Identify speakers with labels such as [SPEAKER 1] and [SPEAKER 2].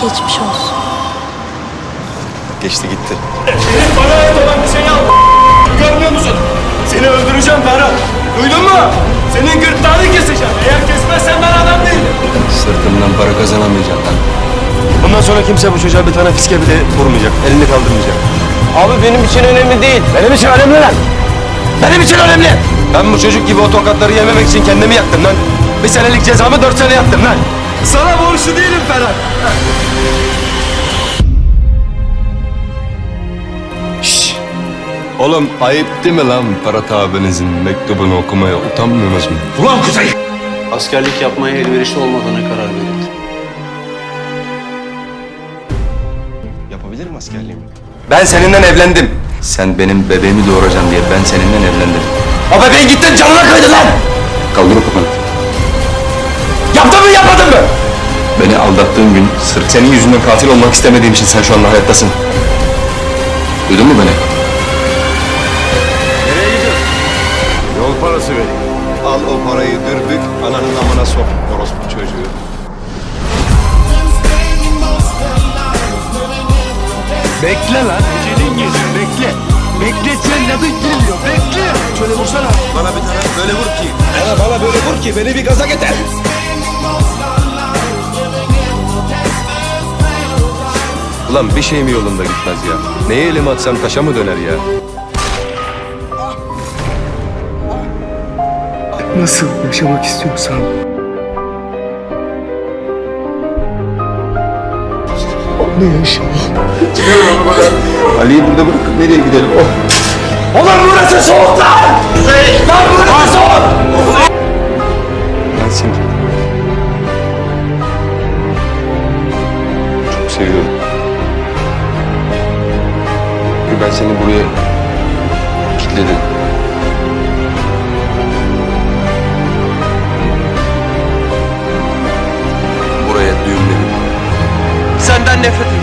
[SPEAKER 1] Geçmiş olsun.
[SPEAKER 2] Geçti gitti.
[SPEAKER 3] Senin bana ait olan bir şeyi al. Görmüyor musun? Seni öldüreceğim Ferhat. Duydun mu? Senin gırtlağını keseceğim. Eğer kesmezsen ben adam değilim.
[SPEAKER 2] Sırtımdan para kazanamayacağım lan.
[SPEAKER 3] Bundan sonra kimse bu çocuğa bir tane fiske bile vurmayacak. Elini kaldırmayacak.
[SPEAKER 2] Abi benim için önemli değil. Benim için önemli lan. Benim için önemli. Ben bu çocuk gibi o tokatları yememek için kendimi yaktım lan. Bir senelik cezamı 4 sene yattım lan.
[SPEAKER 3] Sana borçlu değilim Ferhat.
[SPEAKER 2] Şşş. Oğlum ayıp değil mi lan Ferhat abinizin mektubunu okumaya utanmıyorsunuz mu?
[SPEAKER 3] Ulan Kuzey!
[SPEAKER 4] Askerlik yapmaya elverişli olmadığına karar verildi.
[SPEAKER 2] Yapabilirim askerliğimi. Ben seninle evlendim. Sen benim bebeğimi doğuracaksın diye ben seninle evlendim. O bebeğin gittin canına kıydın lan! Kaldır o kafanı. Yaptın mı yapmadın mı? Beni aldattığın gün sırf senin yüzünden katil olmak istemediğim için sen şu anda hayattasın. Duydun mu beni?
[SPEAKER 3] Nereye gidiyorsun? Yol parası vereyim.
[SPEAKER 2] Al o parayı dürbük, ananın amına sok orospu çocuğu.
[SPEAKER 3] Bekle lan. Ecelin geliyor. Bekle. Bekletsen ne bitiriyor? Bekle. Şöyle vursana.
[SPEAKER 2] Bana bir tane böyle vur ki. Bana böyle vur ki beni bir gaza getir. Ulan bir şey mi yolunda gitmez ya? Neye elimi atsam taşa mı döner ya?
[SPEAKER 3] Nasıl yaşamak istiyorsan. Onu yaşa.
[SPEAKER 2] Ali'yi burada bırakıp nereye gidelim? Oh.
[SPEAKER 3] Ulan burası soğuk lan! Lan burası soğuk!
[SPEAKER 2] Ben seni çok seviyorum. Çünkü ben seni buraya kilitledim. Buraya düğümledim. Senden nefret ediyorum.